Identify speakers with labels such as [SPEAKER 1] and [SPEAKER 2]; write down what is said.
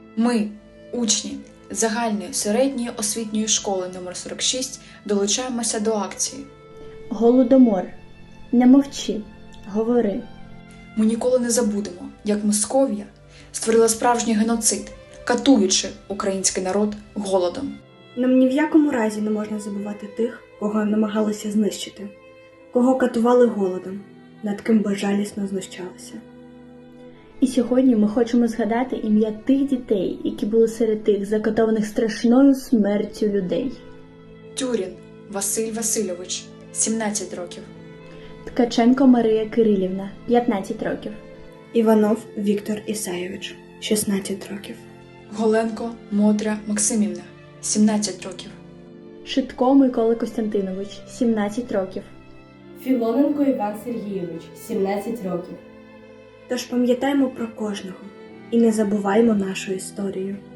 [SPEAKER 1] Ми, учні загальної середньої освітньої школи номер 46, долучаємося до акції.
[SPEAKER 2] Голодомор. Не мовчи, говори.
[SPEAKER 1] Ми ніколи не забудемо, як Московія створила справжній геноцид, катуючи український народ голодом.
[SPEAKER 3] Нам ні в якому разі не можна забувати тих, кого намагалися знищити, кого катували голодом, над ким безжалісно знущалися.
[SPEAKER 2] І сьогодні ми хочемо згадати ім'я тих дітей, які були серед тих закатованих страшною смертю людей.
[SPEAKER 1] Тюрін Василь Васильович, 17 років.
[SPEAKER 2] Ткаченко Марія Кирилівна, 15 років.
[SPEAKER 3] Іванов Віктор Ісайович, 16 років.
[SPEAKER 1] Голенко Мотря Максимівна, 17 років.
[SPEAKER 2] Шитко Микола Костянтинович, 17 років.
[SPEAKER 4] Філоненко Іван Сергійович, 17 років.
[SPEAKER 3] Тож пам'ятаємо про кожного і не забуваємо нашу історію.